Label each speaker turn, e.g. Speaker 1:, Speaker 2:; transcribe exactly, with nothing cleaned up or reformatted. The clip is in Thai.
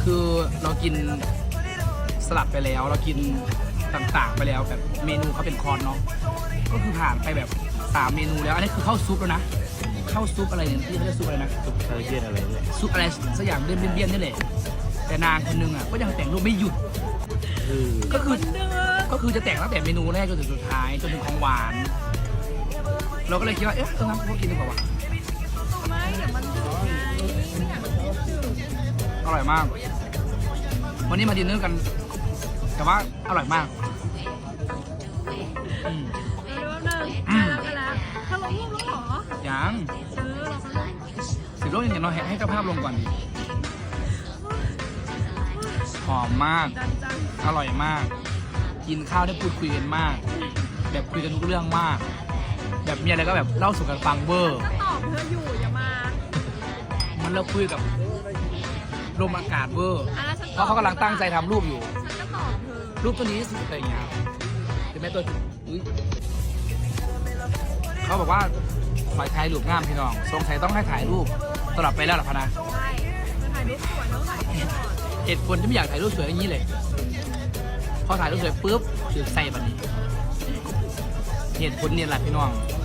Speaker 1: คือเรากินสลัดไปแล้วเรากินต่างๆไปแล้วแบบเมนูเขาเป็นคอร์สเนาะก็คือผ่านไปแบบสามเมนูแล้วอันนี้คือข้าวซุปแล้วนะข้าวซุปอะไรเนี่ยที่เขาเรียกซุปอะไรนะ
Speaker 2: ซุปคาราเบียนอะไรเนี่ย
Speaker 1: ซุปอะไรสักอย่างเบี้ยนเบี้ยนๆนี่แหละแต่นางคนนึงอ่ะก็ยังแต่งรูปไม่หยุด
Speaker 2: คือ
Speaker 1: ก็คือก็คือจะแต่งตั้งแต่เมนูแรกจนถึงสุดท้ายจนถึงของหวาน เราก็เลยคิดว่าเอ๊ะต้องทำพวกกินดีกว่าวะ
Speaker 3: ไม่เดี๋ยวมันดื้อไงไม่อยากให้มันดื้อ
Speaker 1: อร่อยมาก วันนี้มาดินเนอร์กัน แต่ว่าอร่อยมากอืม
Speaker 3: เออแป๊บนึงอ่ะแล้วกันแล้วถ้าลงรูปแล้วเหรอ
Speaker 1: ยัง
Speaker 3: เออเราก็ลง
Speaker 1: สิบโลยังไงเราให้เจ้าภาพลงก่อนดิหอมมาก
Speaker 3: ดันจัง
Speaker 1: อร่อยมาก กินข้าวได้พูดคุยกันมาก แบบคุยกันทุกเรื่องมาก แบบมีอะไรก็แบบเล่าสู่กันฟังเวอร์
Speaker 3: ก็ตอบเธออยู่อย่ามา
Speaker 1: มันเราคุยกับลมอากาศเวอร์
Speaker 3: อ่ะแล้วฉัน
Speaker 1: เพราะเขากำลังตั้งใจทำรูปอยู่
Speaker 3: ฉันก็ตอบเธอ
Speaker 1: รูปตัวนี้สุดอะไรอย่างเงี้ยเป็นแม่ตัวอุ๊ยเขาบอกว่าขอถ่ายรูปงามพี่น้องสงสัยต้องให้ถ่ายรูปตลอดไปแล้วหรอพะนะ
Speaker 3: ใช่เธอถ่ายรูปสวยเท่าไหร่ก่อน
Speaker 1: เหตุผลที่ไม่อยากถ่ายรูปสวยอย่างนี้เลย พอถ่ายรูปสวยปุ๊บถือใส่บันนี้เหตุผลเนี่ยแหละพี่น้อง